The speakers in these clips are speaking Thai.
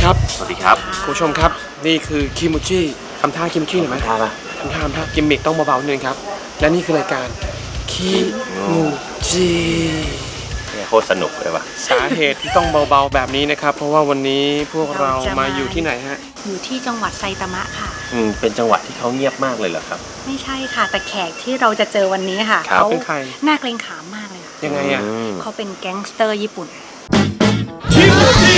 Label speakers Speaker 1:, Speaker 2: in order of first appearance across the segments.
Speaker 1: ครับ
Speaker 2: สวัสดีครับ
Speaker 1: คุณผู้ชมครับนี่คือคิมูจิทำท่าคิมูจิหน่อยไหมทำท่ากิมมิคต้องเบาๆนิดนึงครับและนี่คือรายการคิมูจิ
Speaker 2: โคตรสนุกเลยว่ะ
Speaker 1: สาเหตุที่ต้องเบาๆแบบนี้นะครับเพราะว่าวันนี้พวกเรามาอยู่ที่ไหนฮะ
Speaker 3: อยู่ที่จังหวัดไซตามะค่ะ
Speaker 2: เป็นจังหวัดที่เขาเงียบมากเลยเหรอครับ
Speaker 3: ไม่ใช่ค่ะแต่แขกที่เราจะเจอวันนี้ค่ะ
Speaker 1: เขาเป็นใคร
Speaker 3: น่าเกรงขามมากเลยค่ะ
Speaker 1: ยังไงอ่ะ
Speaker 3: เขาเป็นแก๊งสเตอร์ญี่ปุ่น
Speaker 1: คิมูจิ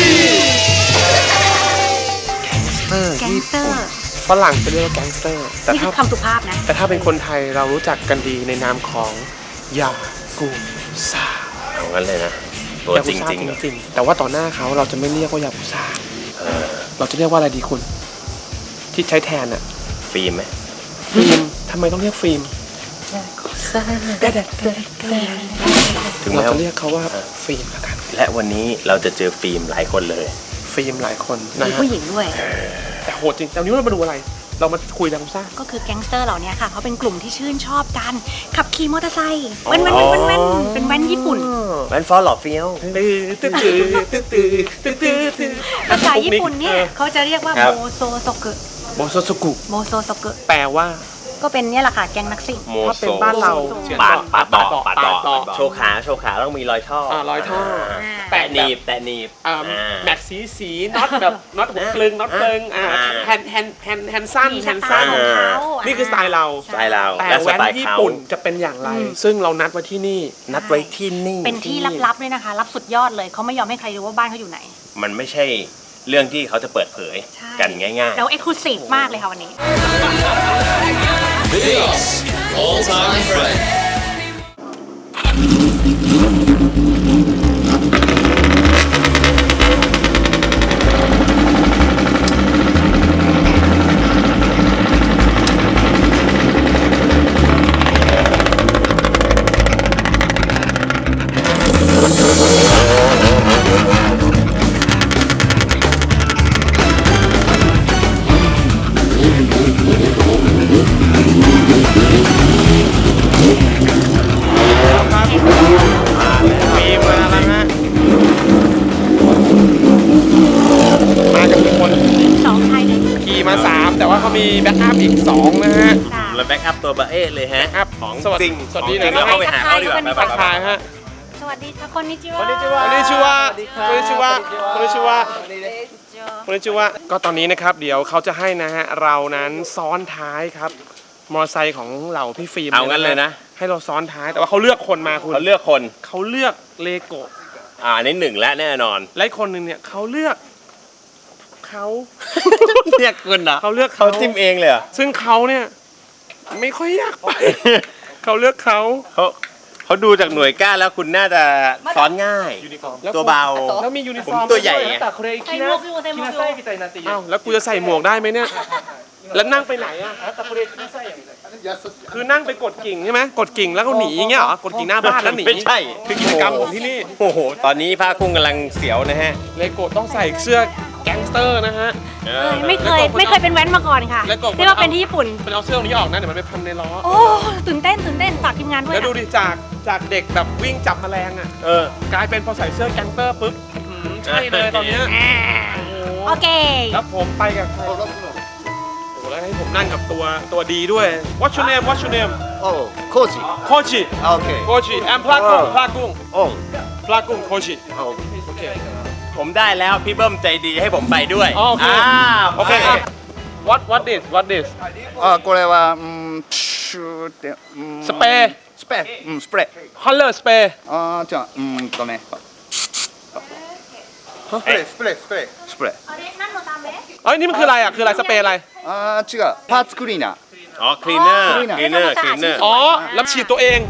Speaker 3: แก๊งสเตอร์
Speaker 1: ฝรั่งจะเรียกว่าแก๊งสเตอร์
Speaker 3: นี่คือคำสุภาพนะ
Speaker 1: แต่ถ้าเป็นคนไทยเรารู้จักกันดีในนามของยากุซ่า
Speaker 2: เอางั้นเลยนะตัวจริง
Speaker 1: ๆแต่ว่าต่อหน้าเขาเราจะไม่เรียกว่ายากุซ่าเราจะเรียกว่าอะไรดีคุณที่ใช้แทนอะ
Speaker 2: ฟิล์มไหม
Speaker 1: ฟิล์มทำไมต้องเรียกฟิล์มถึงเราจะเรียกเขาว่าฟิล์มละกัน
Speaker 2: และวันนี้เราจะเจอฟิล์มหลายคนเลย
Speaker 1: ฟิล์มหลายคนนะ
Speaker 3: มีผู้หญิงด้วย
Speaker 1: แต่โหดจริงแต่วันนี้เรามาดูอะไรเรามาคุยยากุซ่า
Speaker 3: ก็คือแก๊งสเตอร์เหล่านี้ค่ะเขาเป็นกลุ่มที่ชื่นชอบกันขับขี่มอเตอร์ไซค์เป็นแว้นญี่ปุ่น
Speaker 2: แว้นฟอร์หล่อเฟี้ยว
Speaker 3: ภาษาญี่ปุ่นเนี่ยเขาจะเรียกว่าโมโซโซกุ
Speaker 1: แปลว่า
Speaker 3: ก็เป็นเนี่ยแหละค่ะแก๊งนักซิ่ง
Speaker 1: ถ้าเป็นบ้านเรา
Speaker 2: ปาดต่อโชว์ขาต้องมีรอยท่อแตะหนีบ
Speaker 1: แม็กสีน็อตแบบน็อตหัวกลึงแฮนสั้นนี่คือสไตล์เราแต่แว้นญี่ปุ่นจะเป็นอย่างไรซึ่งเรานัดไว้ที่นี่
Speaker 3: เป็นที่ลับๆด้วยนะคะลับสุดยอดเลยเขาไม่ยอมให้ใครรู้ว่าบ้านเขาอยู่ไหน
Speaker 2: มันไม่ใช่เรื่องที่เขาจะเปิดเผยกันง่ายๆ
Speaker 3: แล้วเอ็กซ์คลูซีฟมากเลยค่ะวันนี้
Speaker 4: This all-time friend.
Speaker 1: แต่ว่าเขามีแบ็กอัพอีก2นะฮะ
Speaker 2: แล้วแบ็กอัพตัวบะเอ๊ะเลยฮะ
Speaker 1: ของจริงสวัสดีนะ
Speaker 2: เข้าไปหาเขาดีกว่า
Speaker 1: ทักทายฮะ
Speaker 3: สวัสดีค่ะคนนิจิว
Speaker 1: ะก็ตอนนี้นะครับเดี๋ยวเขาจะให้นะฮะเรานั้นซ้อนท้ายครับมอเตอร์ไซค์ของเหล่าพี่ฟิล์ม
Speaker 2: เอางั้นเลยนะ
Speaker 1: ให้เราซ้อนท้ายแต่ว่าเขาเลือกคนมาคุณ
Speaker 2: เขาเลือก
Speaker 1: เลโก้
Speaker 2: นี่1และแน่นอน
Speaker 1: และคนนึงเนี่ยเขาเลือกเขา
Speaker 2: เรียกคุณนะ
Speaker 1: เขาเลือก
Speaker 2: เขาจิ้มเองเลย
Speaker 1: ซึ่งเขาเนี่ยไม่ค่อยอยากไปเขาเลือก
Speaker 2: เขาดูจากหน่วยก้านแล้วคุณน่าจะซ้อนง่ายตัวเบา
Speaker 1: แล้วมียูนิฟอร์ม
Speaker 2: ตัวใหญ่
Speaker 1: แล้วกูจะใส่หมวกได้ไหมเนี่ยแล้วนั่งไปไหนอ่ะคือนั่งไปกดกิ่งใช่ไหมกดกิ่งแล้วก็หนีอย่างเงี้ยเหรอกดกิ่งหน้าบ้านแล้วหนี
Speaker 2: ไม่ใช่
Speaker 1: คือกิจกรรมของที่นี่
Speaker 2: โอ้โหตอนนี้ผ้ากุ้งกำลังเสียวนะฮะ
Speaker 1: เลโก้ต้องใส่เสื้อแก๊งสเตอร์นะฮะ
Speaker 3: ไม่เคยเป็นแว้นมาก่อนค่ะที่ว่าเป็นที่ญี่ปุ่น
Speaker 1: เป็นเอาเสื้อนี้ออกนะเดี๋ยวมันไปพันในล้อ
Speaker 3: โอ้ตื่นเต้นฝากทีมงานด้วย
Speaker 1: แล้วดูดิจากเด็กแบบวิ่งจับแมลงอ่ะกลายเป็นพอใส่เสื้อแก๊งสเตอร์ปุ๊บใช่เลยตอนนี้
Speaker 3: โอเค
Speaker 1: แล้วผมไปกับใครแล้วให้ผมนั่งกับตัวดีด้วย What's your name
Speaker 5: โอ้โคจิโอเค
Speaker 1: โคจิแอมพลากุ้งโคจิโอเค
Speaker 2: ผมได้แล้วพี่เบิ้มใจดีให้ผมไปด้วย
Speaker 1: โอเค What this
Speaker 5: これは
Speaker 1: สเปรย์ฮอลเลอร์สเปรย์
Speaker 5: じゃあねスプレー
Speaker 1: นี่มันคืออะไรอ่ะคืออะไรสเปรย์อะไร
Speaker 5: 違うパーツクリーナー
Speaker 2: คลีนเนอร์
Speaker 1: แล้วฉีดตัวเอง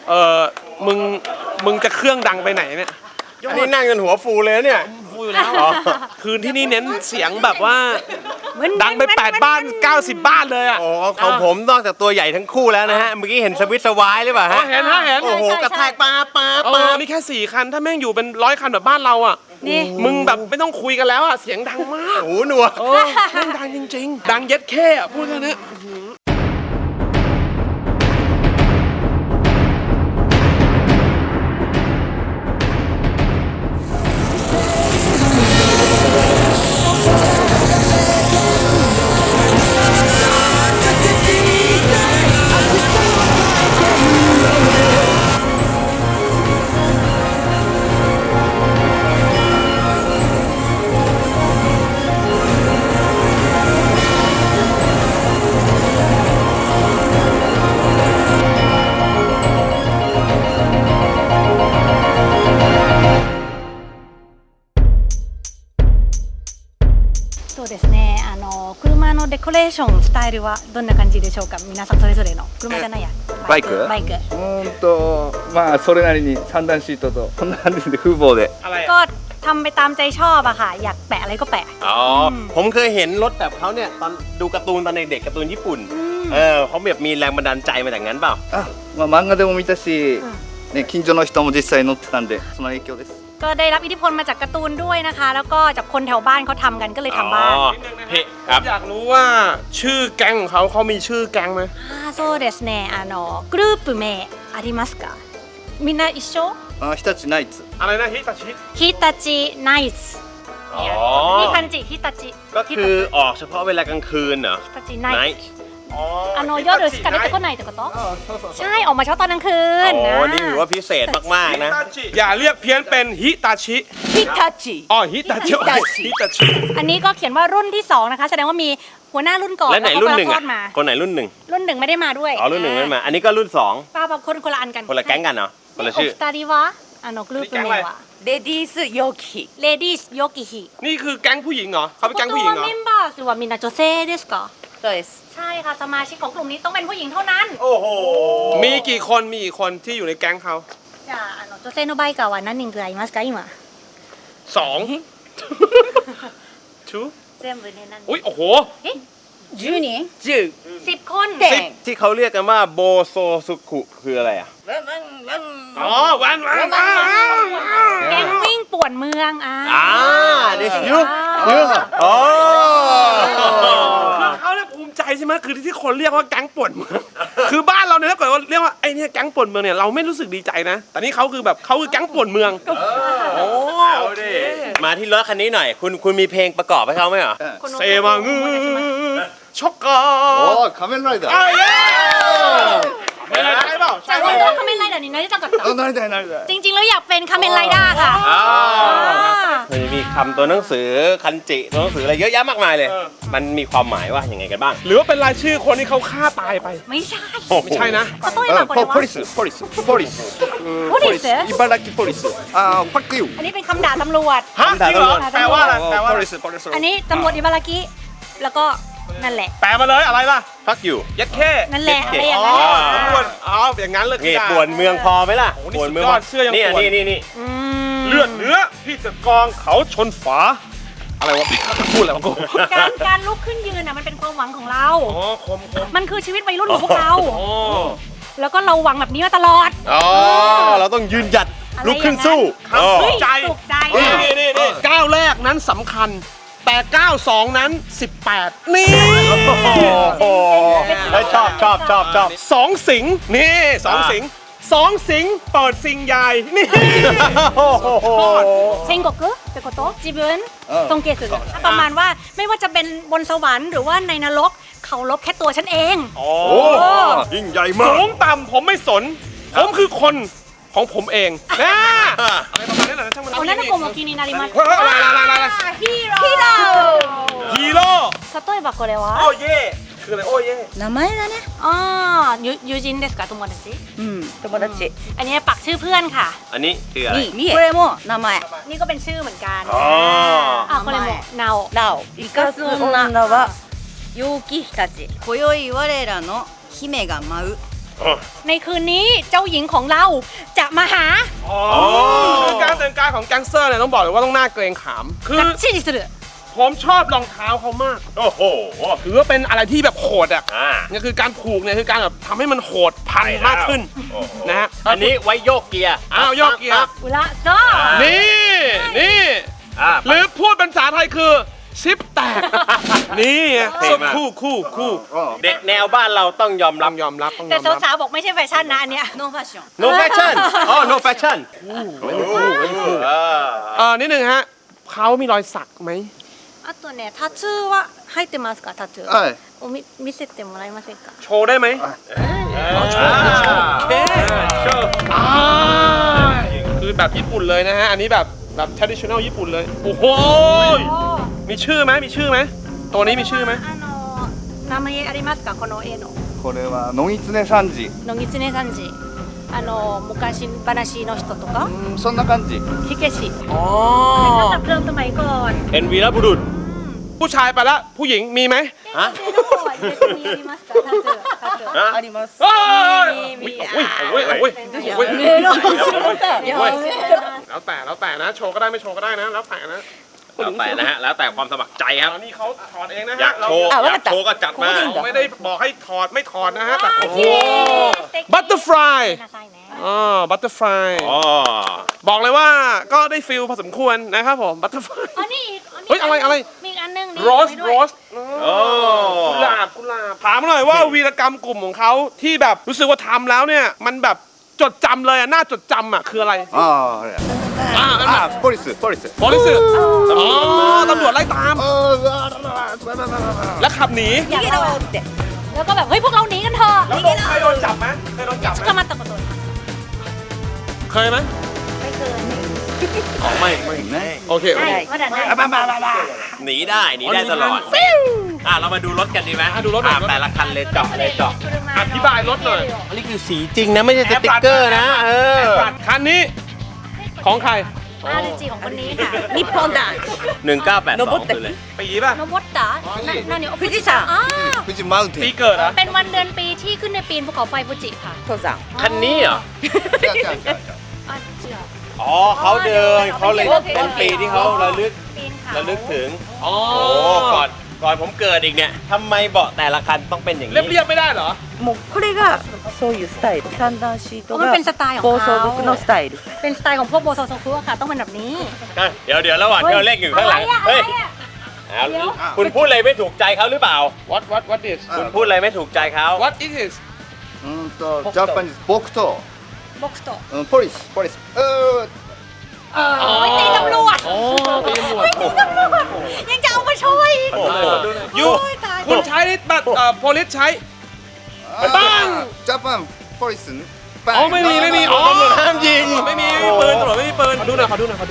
Speaker 1: มึงจะเครื่องดังไปไหนเนี่ย
Speaker 2: อันนี้นั่งจนหัวฟูเลยนะเนี่ย
Speaker 1: ฟูอยู่แล้วคืนที่นี่เน้นเสียงแบบว่าดังไป8 บ้าน 90 บ้านเลยอ่ะ
Speaker 2: โอ้ของผมนอกจากตัวใหญ่ทั้งคู่แล้วนะฮะ เมื่อกี้เห็นสวิตช์สวายหรือเปล่าฮะ
Speaker 1: เห็นเห็น
Speaker 2: โอ้โหกระแทกปา
Speaker 1: นี่แค่4 คันถ้าแม่งอยู่เป็น100 คันแบบบ้านเราอ่ะ
Speaker 3: นี่
Speaker 1: มึงแบบไม่ต้องคุยกันแล้วอ่ะเสียงดังมาก
Speaker 2: โอ้โหหนัวก
Speaker 1: แม่งดังจริงๆ ดังเย็ดแค่อะพูดแค่นี้
Speaker 3: そうですね。車のデコレーションスタイルはどんな感じでしょうか。皆さんそれぞれの車じゃないや。
Speaker 5: バイク
Speaker 3: バイク。
Speaker 5: まあそれなりに3段シートとこんな感じで風貌で
Speaker 1: อะไร
Speaker 3: ก็
Speaker 1: อะ
Speaker 3: ทำไปตามใจชอบอะค่ะ อยากแปะอะไรก็แปะ
Speaker 2: อ๋อผมเคยเห็นรถแบบเขาเนี่ยตอนดูการ์ตูนตอนเด็กๆการ์ตูนญี่ปุ่นเขาแบบมีแรงบันดาลใจมาจากนั้นเปล่า
Speaker 5: まあ漫画でも見たし、ね、近所の人も実際乗ってたんでその影響です
Speaker 3: ก็ได้รับอิทธิพลมาจากการ์ตูนด้วยนะคะ แล้วก็จากคนแถวบ้านเขาทำกันก็เลยทำบ้าน
Speaker 1: นิดนึงนะฮะผมอยากรู้ว่าชื่อแก๊งของเขามีชื่อแก๊งไหม
Speaker 3: そうですね。グループ名ありますか。みんな一緒？
Speaker 5: 日立ナイツ
Speaker 1: อะไรนะฮิตาชิ
Speaker 3: ฮิตาชิไนท์
Speaker 2: อ๋อ
Speaker 3: นี่คันจิฮิตาชิ
Speaker 2: ก็คือออกเฉพาะเวลากลางคืนเหรอ
Speaker 3: ฮิตาชิไนท์
Speaker 2: Night
Speaker 3: 夜しか出てこないってことใช่ออกมาเช้าตอนกลางคืน
Speaker 2: โอ้นี่ถือว่าพิเศษมากๆนะ
Speaker 1: อย่าเรียกเพี้ยนเป็นฮิตาชิ
Speaker 3: ฮิตาชิ
Speaker 1: อ๋อฮิตาชิฮิตาชิ
Speaker 3: อันนี้ก็เขียนว่ารุ่นที่2นะคะแสดงว่ามีหัวหน้ารุ่นก่อน
Speaker 2: และไหนรุ่นหนึ่ง
Speaker 3: ท
Speaker 2: อ่ะ
Speaker 3: อดมา
Speaker 2: คนไหนรุ่นหนึ่ง
Speaker 3: รุ่นหนึ่งไม่ได้มาด้วย
Speaker 2: อ๋อรุ่นหนึ่งไม่มา อันนี้ก็รุ่นสอง
Speaker 3: ป้าบางคนละอันกัน
Speaker 2: คนละแก๊งกันเนาะคนละชื่อ
Speaker 3: โอ二人はグループ名は
Speaker 6: レディースヨキ
Speaker 3: レディースヨキヒ
Speaker 1: นี่คือแก๊งผู้หญิงเหรอเขาเป็นแก๊งผู้หญิงเหรอ
Speaker 3: メンバーはみんな女性ですか
Speaker 6: そうです
Speaker 3: ใช่ค่ะสมาชิกของกลุ่มนี้ต้องเป็นผู้หญิงเท่านั้น
Speaker 2: โอ้โห
Speaker 1: มีกี่คนที่อยู่ในแก๊งเขา
Speaker 3: じゃあ女性のバイカーは何人くらいいますか今
Speaker 1: 2 ชู
Speaker 3: 全部で何人
Speaker 1: อุ้ยโอ้โห
Speaker 6: 10人
Speaker 3: 10 คน
Speaker 2: ที่เขาเรียกกันว่าโบโซสุคุคืออะไรอ่ะ
Speaker 1: อ๋อวัน
Speaker 3: แก๊งวิ่งป่วนเมือง
Speaker 2: this you อ๋อ
Speaker 1: คือเขาเนี่ยภูมิใจใช่ไหมคือที่คนเรียกว่าแก๊งป่วนเมืองคือบ้านเราเนี่ยถ้าเกิดว่าเรียกว่าไอ้เนี่ยแก๊งป่วนเมืองเนี่ยเราไม่รู้สึกดีใจนะ แต่นี่เขาคือแบบเขาคือแก๊งป่วนเมืองโอ้
Speaker 2: เอาดิมาที่รถคันนี้หน่อย คุณมีเพลงประกอบให้เขาไหมเหรอ
Speaker 1: เซมางือช็อกกา
Speaker 5: おお仮面ライダー
Speaker 1: อ้าวเย้ไม่ได้เปล่า
Speaker 3: แต่ว่าเรื่องคาเมนไรเดอร์นี่นะที่ต้องกับ
Speaker 5: あなりたいなりたい
Speaker 3: จริงๆแล้วอยากเป็นคาเมนไรด้าค่ะ
Speaker 2: มันมีคำตัวหนังสือคันจิตัวหนังสืออะไรเยอะแยะมากมายเลย มันมีความหมายว่าอย่างไงกันบ้าง
Speaker 1: หรือว่าเป็นรายชื่อคนที่เขาฆ่าตายไป
Speaker 3: ไม่ใช่
Speaker 1: ไม่ใช่นะ
Speaker 3: 例えばこれは
Speaker 5: ポリスポリスポリス
Speaker 3: ポリス
Speaker 5: 茨城ポリスファックユー
Speaker 3: อันนี้เป็นคำด่าตำรวจ
Speaker 1: ฮะจริงเหรอแปลว่าอะไรแปลว่า
Speaker 5: ポ
Speaker 1: อะไร
Speaker 5: リスポリス
Speaker 3: อันนี้ตำรวจอิบารากิแล้วก็นั่นแหละ
Speaker 1: แปลมาเลยอะไรล่ะ
Speaker 2: ฟักอยู่
Speaker 1: ยัดแค่
Speaker 3: นั่นแหละอะไรอย่าง
Speaker 1: อ๋อ
Speaker 3: นั้น
Speaker 1: ตำรวจอ๋ออย่างนั้นเลย
Speaker 2: นี่ป่วนเมืองพอไหมล่ะ
Speaker 1: โอ้โหนี่
Speaker 2: ป่วนเมือง
Speaker 1: สุดยอดเสื้อยัง
Speaker 2: นี่
Speaker 1: ป่วน
Speaker 2: นี่
Speaker 3: อืม
Speaker 1: เลือดเนื้อที่จะกองเขาชนฝาอะไรวะพูดอะไรวะกู
Speaker 3: การลุกขึ้นยืนน่ะมันเป็นความหวังของเรา
Speaker 1: อ๋อคม
Speaker 3: มันคือชีวิตวัยรุ่นของพวกเรา
Speaker 1: อ๋อ
Speaker 3: แล้วก็เราหวังแบบนี้มาตลอด
Speaker 2: อ๋อเราต้องยืนหยัด
Speaker 3: อะไร
Speaker 2: ลุกขึ้นสู้
Speaker 1: ครับ
Speaker 2: อ๋อ
Speaker 3: เฮ้ย
Speaker 1: ใจ
Speaker 3: สุขใจ
Speaker 1: นี่ก้าวแรกนั้นสำคัญ แต่ก้าว2นั้น18นี่
Speaker 2: โอ้โหเฮ้ยชอบ
Speaker 1: สองสิงห์นี่สองสิงห์สองสิงห์เปิดสิงห์ใหญ่นี่
Speaker 2: โอ้โห
Speaker 3: เชงกกุเป็นโกโตะจิบุนทรงเกสึประมาณว่าไม่ว่าจะเป็นบนสวรรค์หรือว่าในนรกเขาลบแค่ตัวฉันเอง
Speaker 1: โอ้
Speaker 2: ยิ่งใหญ่มาก
Speaker 1: สูงต่ำผมไม่สน ผมคือคนของผมเองนะอะไรประมาณนี้แหละนะช่างมัน
Speaker 3: โอ้นั่นก็โมกินินาริมัส
Speaker 1: เฮ้ยอะไร
Speaker 3: ฮีโร่
Speaker 1: ฮีโร่
Speaker 3: 例えばこれは
Speaker 1: โอ้เย่คืออะไรโอ้เย่
Speaker 6: 名前だね
Speaker 3: ああ友人ですか友達
Speaker 6: うん友達
Speaker 3: อันนี้ปักชื่อเพื่อนค่ะ
Speaker 2: อันนี้คืออะไร
Speaker 6: にこれも名前
Speaker 3: นี่ก็เป็นชื่อเหมือนกัน
Speaker 2: อ๋อ
Speaker 3: これもナオ
Speaker 6: ラオ生かす女は陽気日立今宵我らの姫が舞う
Speaker 3: ในคืนนี้เจ้าหญิงของเราจะมาหา
Speaker 1: คือการแต่งกายของแก๊งสเตอร์เนี่ยต้องบอกเลยว่าต้องน่าเกรงขามคือ
Speaker 3: กัดชิดิสุด
Speaker 1: ผมชอบรองเท้าเขามาก
Speaker 2: โอ้โห
Speaker 1: ถือว่าเป็นอะไรที่แบบโหดอ่ะ
Speaker 2: อ่า
Speaker 1: นี่คือการผูกเนี่ยคือการแบบทำให้มันโหดพันมากขึ้นนะฮะ
Speaker 2: อันนี้ไว้โยกเกียร์
Speaker 1: อ้าวโยกเกียร์
Speaker 3: อุระก็
Speaker 1: นี่ห
Speaker 2: หรื
Speaker 1: รือ อพูดเป็นภาษาไทยคือซิปแตก นี่ไง
Speaker 2: เท่มาก
Speaker 1: คู่
Speaker 2: เด็กแนวบ้านเราต้องยอม
Speaker 1: ต้
Speaker 2: รั
Speaker 1: อบ งยอมรับต้องย
Speaker 3: แต่
Speaker 1: อมรับ
Speaker 3: สาวๆบอกไม่ใช่แฟชั่นนะอันเนี้ย
Speaker 6: ノーファッション
Speaker 2: no fashion อ๋อ no fashion
Speaker 1: นิดนึงฮะเขามีรอยสักไหม
Speaker 3: あとねタトゥーは入ってますかタトゥー
Speaker 5: はい
Speaker 3: おみ見せてもらえませんか
Speaker 1: โชว์ได้ไหม
Speaker 2: โชว์
Speaker 1: คือแบบญี่ปุ่นเลยนะฮะ อันนี้แบบtraditional ญี่ปุ่นเลย โอ้โหมีชื่อไหมตัวนี้มีชื่อไหม
Speaker 3: 名前ありますかこの絵の
Speaker 5: これは野狐三次
Speaker 3: 野狐さんじ昔話の人とか
Speaker 5: そんな感じ
Speaker 3: 火消し
Speaker 1: อ๋อ
Speaker 3: ระดับเริ่มสมัยก่อน
Speaker 2: เป็นวีรบุรุษ
Speaker 1: ผู้ชายไปละผู้หญิงมีไหม
Speaker 2: ฮะ
Speaker 3: 女性の方は絶対やりますかタトゥータトゥー
Speaker 6: あります
Speaker 1: โอ้ย
Speaker 3: มี
Speaker 1: โอ้ยแล้วแต่นะโชว์ก็ได้ไม่โชว์ก็ได้นะแล้วแต่นะ
Speaker 2: แล้วแต่นะฮะ แล้วแต่ความสมัครใจครับ
Speaker 1: อันนี้เขาถอดเองนะ
Speaker 2: อยา
Speaker 1: ฮะ
Speaker 2: กโชว์
Speaker 6: อ่ะ
Speaker 2: อยากโชว์ก็จัดมา
Speaker 1: เราไม่ได้บอกให้ถอดไม่ถอดนะฮะแต่โอ้โห
Speaker 3: 素敵
Speaker 1: บัตเตอร์ฟลาย
Speaker 3: なさいね
Speaker 1: บัตเตอร์ฟลาย
Speaker 2: อ๋อ
Speaker 1: บอกเลยว่าก็ได้ฟิลพอสมควรนะครับผมบัตเตอร์ฟลาย
Speaker 3: อันนี้อีก
Speaker 1: เฮ้ยอะไร
Speaker 3: มีอีกอันหนึงนี่
Speaker 1: โรส
Speaker 3: ไว้ด้
Speaker 1: โร
Speaker 3: วย
Speaker 1: ส
Speaker 2: โอ้
Speaker 1: กุหลาบถามหน่อยว่าวีรกรรมกลุ่มของเขาที่แบบรู้สึกว่าทำแล้วเนี่ยมันแบบจดจำเลยอะน่าจดจำอะคืออะไร
Speaker 5: あああれポリス
Speaker 1: บริสุทธิ์อ๋อตำรวจไล่ตาม แล้วขับหนี
Speaker 3: อยากเล่าแล้วก็แบบเฮ้ยพวกเราหนีกันเถอะ
Speaker 1: แล้วเคยโดนจับไหมเคยโดนจับไหม
Speaker 3: ก็มาตะโกน
Speaker 1: เคยไหม
Speaker 3: ไม่เคย
Speaker 2: ของไม่
Speaker 1: โอเค
Speaker 3: ได้มาดันได้
Speaker 2: หนีได้ตลอดเรามาดูรถกันดีไหม
Speaker 1: ดูรถหน่อย
Speaker 2: แต่ละคันเลยเจาะ
Speaker 1: อธิบายรถหน่อย
Speaker 2: อันนี้คือสีจริงนะไม่ใช่สติ๊กเกอร์นะ
Speaker 1: คันนี้ของใคร
Speaker 3: อาริจิของคนนี้ค่ะนิปปอนดะ
Speaker 2: 1982คือเลย
Speaker 1: ปีป่ะ
Speaker 3: โนบอตตะนั่นเนี่ยฟูจิซัง
Speaker 5: 富士マウンテ
Speaker 1: ปี
Speaker 5: ン
Speaker 1: เกิดเหรอะ
Speaker 3: เป็นวันเดือนปีที่ขึ้นในปีนภูเขาไฟฟูจิค่ะ
Speaker 6: 登山
Speaker 2: คันนี้เหรอ
Speaker 3: อ่ะเชื่อ
Speaker 2: อ๋อเขาเดินเขาเลยเป็นปีที่เขาระลึก
Speaker 3: ปีนเขา
Speaker 2: ระลึกถึง
Speaker 1: อ๋อ
Speaker 2: โอ้ก่อนผมเกิดอีกเนี่ยทำไมเบาะแต่ละคันต้องเป็นอย่าง
Speaker 1: เรียบ
Speaker 2: นี้
Speaker 1: เรียบไม่ได้เหรอ
Speaker 6: もうこれがそういうスタイル三段シート
Speaker 3: มัน
Speaker 6: が
Speaker 3: เป็นสไตล์ของ
Speaker 6: 暴
Speaker 3: เขา
Speaker 6: 走族のスタイル
Speaker 3: เป็นสไตล์ของพวกโบโซโซคุอะค่ะต้องเป็นแบบนี้
Speaker 2: เดี๋ยวระหว่างที่เราเล่นอยู่ข้างหลัง
Speaker 3: เฮ้
Speaker 2: เฮ้
Speaker 3: ย
Speaker 2: ยคุณพูดอะไรไม่ถูกใจเขาหรือเปล่า
Speaker 1: what is
Speaker 2: คุณพูดอะไรไม่ถูกใจเขา
Speaker 1: what is it
Speaker 5: ジャパニーズ僕と
Speaker 3: บ็อกซ์โต
Speaker 5: ポリス
Speaker 3: โอ้ยตีตำรวจ
Speaker 1: อ๋อตีตำรวจ
Speaker 3: ยังจะเอามาช่วยอีก
Speaker 2: โอ้โห
Speaker 1: ยู
Speaker 3: โอ้ยตาย
Speaker 1: คุณใช้บัตรโพลิสใช้ ปัง
Speaker 5: ジャパンポリス
Speaker 1: อ๋อไม่มีอ๋อ
Speaker 2: ตำรวจห้ามยิง
Speaker 1: ไม่มีปืนตำรวจไม่มีปืนขอดูหน่อย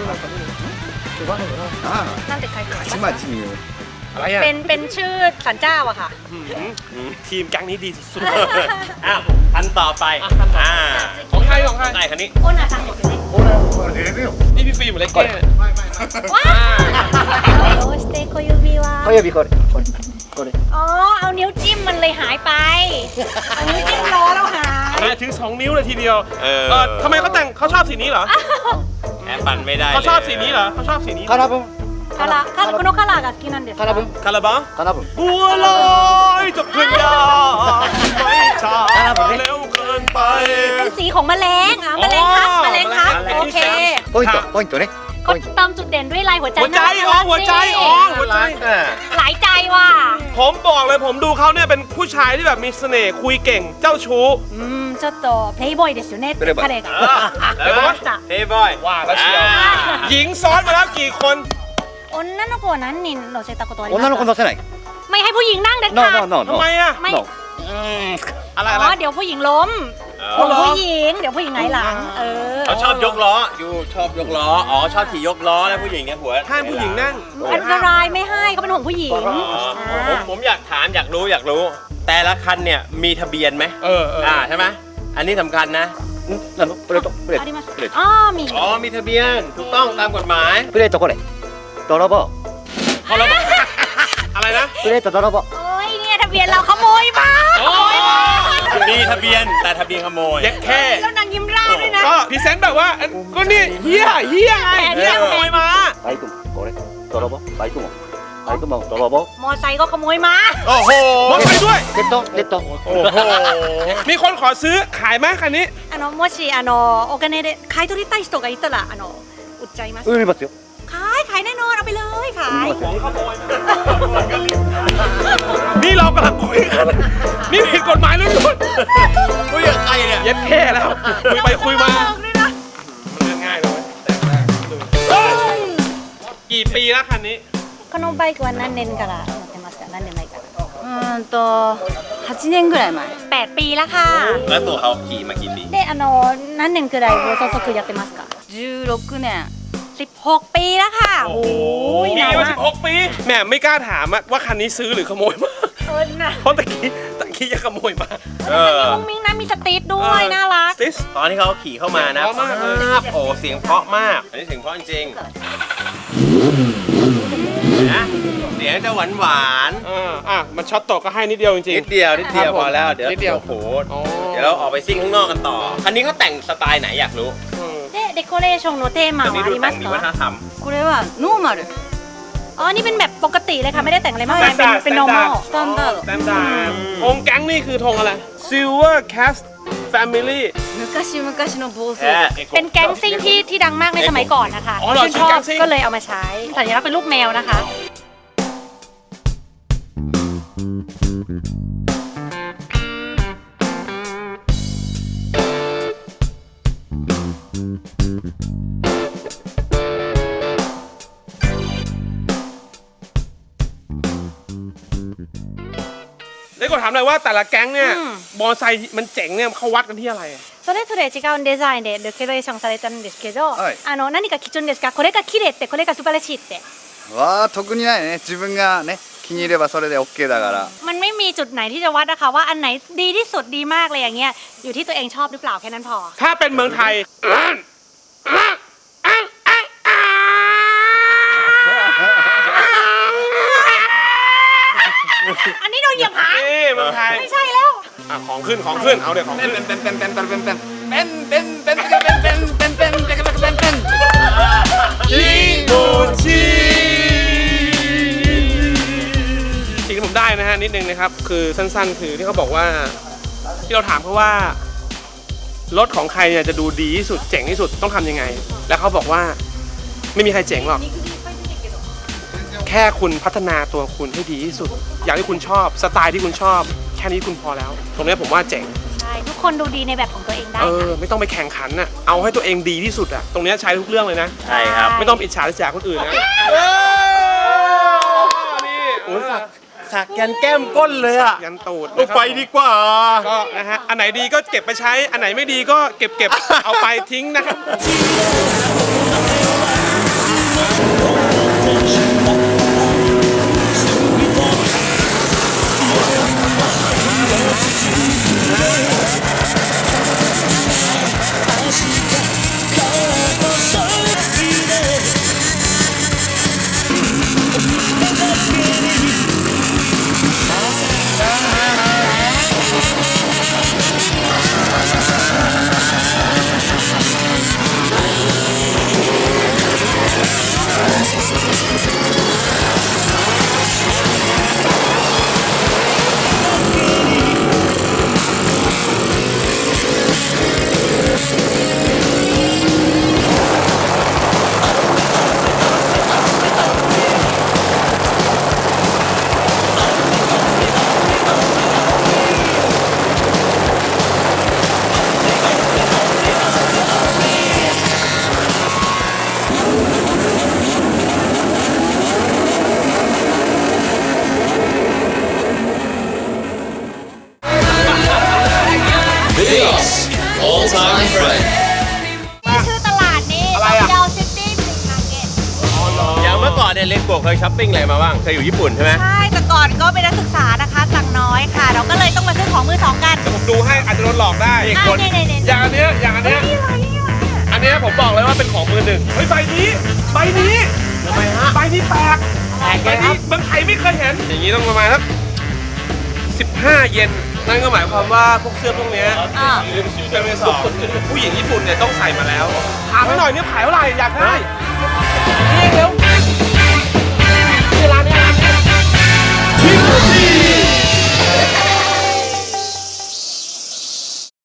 Speaker 3: นั่นติดใครอยู่
Speaker 5: ちまちみよ
Speaker 1: อะไรอ่ะ
Speaker 3: เป็นชื่อสันเจ้าอะค่ะ
Speaker 1: ทีมแก๊งนี้ดีสุด
Speaker 2: อ้าวคันต่อไป
Speaker 1: ของใคร
Speaker 2: ได้คันนี้
Speaker 3: โอ้น่าสั่งหมดเลย
Speaker 1: นี่พี่ฟิล์มหรือเล็กแก้
Speaker 3: ว้าวโอสเตโคยูบิวะ
Speaker 5: 小指これ
Speaker 3: อ๋อ เอานิ้วจิ้มมันเลยหายไป เอานิ้วจิ้มล้อแล้วหาย
Speaker 1: ถึง2 นิ้วเลยทีเดียวทำไมเขาชอบสีนี้เหรอ
Speaker 2: แอบปั่นไม่ได้
Speaker 1: เขาชอบสีนี้เหรอเขาชอบสีนี้
Speaker 5: カラブン
Speaker 3: คาราこのカラーが好きなんですか
Speaker 5: カラブン
Speaker 1: คาราบา
Speaker 5: カラブン
Speaker 1: บัวลอยจะขึ้นยาไม่ช้าเร็วเกินไป
Speaker 3: เป็นสีของแมลงแมลงครับแมลงครับ โอเค
Speaker 5: ポイントね
Speaker 3: ก็เติมจุดเด่นด้วยลายหัวใจ
Speaker 1: หัวใจ
Speaker 3: น่ารัก
Speaker 1: หัวใจ
Speaker 3: นี่
Speaker 1: หัวใจ
Speaker 3: หลายใจว่ะ
Speaker 1: ผมบอกเลยผมดูเขาเนี่ยเป็นผู้ชายที่แบบมีเสน่ห์คุยเก่งเจ้าชู้
Speaker 3: ちょっとプレイボーイですよね彼が
Speaker 2: แล้วก็เฮ้ยบอย
Speaker 1: ว่าแล้วเชียวหญิงซ้อนมาแล้วกี่คน
Speaker 3: 女の子は何人乗せたことあります
Speaker 5: 女の子乗せない
Speaker 3: ไม่ให้ผู้หญิงนั่งเด็ด
Speaker 5: ノ
Speaker 3: ขาด
Speaker 5: ーノーノー
Speaker 1: ทำไมอ่ะ
Speaker 3: ไม่
Speaker 1: อะไร
Speaker 3: อ๋อเดี๋ยวผู้หญิงล้ม
Speaker 1: อ๋อเหรอ
Speaker 3: ผู้หญิงเดี๋ยวผู้หญิงไงหลัง
Speaker 2: เขาชอบยกล้ออยู่ชอบยกล้อชอบขี่ยกล้อแล้วผู้หญิงเนี่ยหัว
Speaker 1: ห้ามผู้หญิงนั่ง
Speaker 3: อันตรายไม่ให้เขาเป็นห่วงผู้หญิง
Speaker 2: ผมอยากถามอยากรู้แต่ละคันเนี่ยมีทะเบียนไหม ใช่ไหมอันนี้สำคัญนะ
Speaker 5: なのプレートプレー
Speaker 3: あり
Speaker 5: ト
Speaker 3: ます
Speaker 5: プレート
Speaker 3: อ๋อมี
Speaker 2: มีทะเบียนถูกต้องตามกฎหมาย
Speaker 5: プレートこれ泥棒
Speaker 1: อะไรนะ
Speaker 5: プレート泥棒
Speaker 3: โอ้ยเนี่ยทะเบียนเราขโมยมา
Speaker 1: โอ้
Speaker 3: ขโมยมา
Speaker 2: มีทะเบียนแต่ทะเบียนขโมย
Speaker 1: เย็ดแค่
Speaker 3: แล้วนางยิ้มร่าด้วยนะ
Speaker 1: ก็พรีเซนต์แบบว่าก็นี่เฮียไงเฮียขโมยมา
Speaker 5: バイクもこれ泥棒バイクも泥棒
Speaker 3: มอไซค์ก็ขโมยมา
Speaker 2: โอ้โห
Speaker 1: มอไซค์ด้วย
Speaker 5: レッド
Speaker 2: โอ้โห
Speaker 1: มีคนขอซื้อขายไหมคันนี้
Speaker 3: もしお金で買い取りたい人がいたら売っちゃいます
Speaker 5: 売りますよ
Speaker 3: ขายแน่นอนเอาไปเลยขาย
Speaker 1: ของขโมยนี่เรากำลังคุยกันนี่ผิดกฎหมายแล้วทุกคน
Speaker 2: คุยกับใครเนี่ย
Speaker 1: เย็ดแค่แล้วคุยไปคุยมามันเรื่องง่ายเลยเฮ้ยกี่ปีแล้วคันนี้
Speaker 3: このバイクは何年から乗ってますか何年前から
Speaker 6: 8年ぐらい前
Speaker 3: 8ปีแล้วค่ะ
Speaker 2: แล้วตัวเขาขี่มากี่ปี
Speaker 3: で何年くらい暴走族やってますか
Speaker 6: 16年
Speaker 3: 16 ปีแล้วค่ะโอ้ย
Speaker 1: ปี
Speaker 3: นาน
Speaker 1: มา
Speaker 3: มาก
Speaker 1: 16 ปีแหม่ไม่กล้าถามว่าคันนี้ซื้อหรือขโมยมา
Speaker 3: นะ
Speaker 1: เพราะตะกี้ยังขโมยมา
Speaker 2: เออ
Speaker 3: มุ้งมิ้งนะมีสตรีทด้วยน่ารัก
Speaker 1: ติส
Speaker 2: ตอนที่เขาขี่เข้ามานะ
Speaker 1: เพราะมากเลย
Speaker 2: โอ้เสียงเพราะมาก อันนี้เสียงเพราะจริงๆนะเสียงจะหวาน
Speaker 1: มันช็อตตกก็ให้นิดเดียวจ
Speaker 2: ๆ
Speaker 1: ริง
Speaker 2: นิดเดียวพอแล้วเดี๋ยว
Speaker 1: นิดเดียว
Speaker 2: โอ้โห
Speaker 1: อ๋อ
Speaker 2: เดี๋ยวเราออกไปซิ่งข้างนอกกันต่อ คันนี้เขาแต่งสไตล์ไหนอยากรู้
Speaker 3: でデコレーションのテーマ
Speaker 2: คัน
Speaker 3: は
Speaker 2: นี้
Speaker 3: あ
Speaker 2: ดู
Speaker 3: り
Speaker 2: แต่
Speaker 3: ま
Speaker 2: ง
Speaker 3: す
Speaker 2: มีวัฒน
Speaker 3: か
Speaker 2: ธรรม
Speaker 6: これはノーマル
Speaker 3: อ๋อนี่เป็นแบบปกติเลยค่ะไม่ได้แต่งอะไรมากมายเป็น normal
Speaker 6: スタンダード
Speaker 1: สแตนดาร์ดธงแก๊งนี่คือธงอะไร Silver Cast Family
Speaker 6: 昔々の暴走族
Speaker 3: เป็นแก๊งซิ่งที่ดังมากในสมัยก่อนนะคะ
Speaker 1: อ๋อเหรอ
Speaker 3: ชื่นช
Speaker 1: ชื่อแก๊
Speaker 3: อบ
Speaker 1: งซิ่ง
Speaker 3: ก็เลยเอามาใช้สัญลักษณ์เป็นรูปแมวนะคะ
Speaker 1: ได้กดถามเลยว่าแต่ละแก๊งเนี่ย
Speaker 3: อืม
Speaker 1: มอไซค์มันเจ๋งเนี่ยเขาวัดกันที่อะไร
Speaker 3: それぞれ違うデザインでデコレーションされてるんですけど、
Speaker 5: はい
Speaker 3: 何か基準ですかこれが綺麗ってこれが素晴らしいって
Speaker 5: わあ特にないね自分がね気に入ればそれで OK だから
Speaker 3: มันไม่มีจุดไหนที่จะวัดนะคะว่าอันไหนดีที่สุดดีมากเลยอย่างเงี้ยอยู่ที่ตัวเองชอบหรือเปล่าแค่นั้นพอ
Speaker 1: ถ้าเป็นเมืองไทย
Speaker 3: อันนี้โดนเหยียบหาง
Speaker 1: นี่เมืองไทย
Speaker 3: ไม่ใช่แล้ว
Speaker 1: ของขึ้นของขึ้นเอาเดี๋ยวของขึ้นชิโมชิสิ่งที่ผมได้นะฮะนิดนึงนะครับคือสั้นๆคือที่เขาบอกว่าที่เราถามเขาว่ารถของใครเนี่ยจะดูดีที่สุดเจ๋งที่สุดต้องทำยังไง แล้วเขาบอกว่าไม่มีใครเจ๋งหรอกแค่คุณพัฒนาตัวคุณให้ดีที่สุด อย่างที่คุณชอบสไตล์ที่คุณชอบแค่นี้คุณพอแล้ว ตรงนี้ผมว่าเจ๋ง
Speaker 3: ใช่ทุกคนดูดีในแบบของตัวเองได้
Speaker 1: ไม่ต้องไปแข่งขันน่ะเอาให้ตัวเองดีที่สุดอ่ะตรงนี้ใช้ทุกเรื่องเลยนะ
Speaker 2: ใช่ครับ
Speaker 1: ไม่ต้องอิจฉาริษยาคนอื่นนะนี่
Speaker 2: โอ้สักยันแก้มก้นเลยอ่ะ
Speaker 1: ยันตูด
Speaker 2: ไปดีกว่า
Speaker 1: ก็นะฮะอันไหนดีก็เก็บไปใช้อันไหนไม่ดีก็เก็บเอาไปทิ้งนะครับ
Speaker 4: Videos, all-time friend.
Speaker 3: ชื่อตลาดนี้
Speaker 1: อะไรอะ
Speaker 3: เดลซิตี้ฟิชมาร์เก็ต
Speaker 2: อย่างเมื่อก่อนเนี่ยเลนโกะเคยช้อปปิ้งอะไรมาบ้าง เคยอยู่ญี่ปุ่นใช่ไหม
Speaker 3: ใช่แต่ก่อนก็เป็นนักศึกษานะคะตังค์น้อยค่ะ เราก็เลยต้องมาซื้อของมือสองกัน
Speaker 1: ผมดูให้อาจจะโดนหลอกได้
Speaker 3: อ่ะเนี่ย
Speaker 1: อย่างอันเนี้ยอย่างอันเนี้ย
Speaker 3: นี่อะไรนี่อะไรอ่ะ
Speaker 1: อันเนี้ยผมบอกเลยว่าเป็นของมือหนึ่งเฮ้ยใบนี้ทำไมฮะใบนี้แปลกใบนี้เมืองไทยไม่เคยเห็นอย่างนี้ต้องประมาณสัก15 เยนนั่นก็หมายความว่าพวกเสื้อพวกเนี้ย
Speaker 3: อ่า
Speaker 1: เป็นมือสองผู้หญิงญี่ปุ่นเนี่ยต้องใส่มาแล้วถามให้หน่อยเนี่ยขายเท่าไหร่อยากได้นี่เร็ว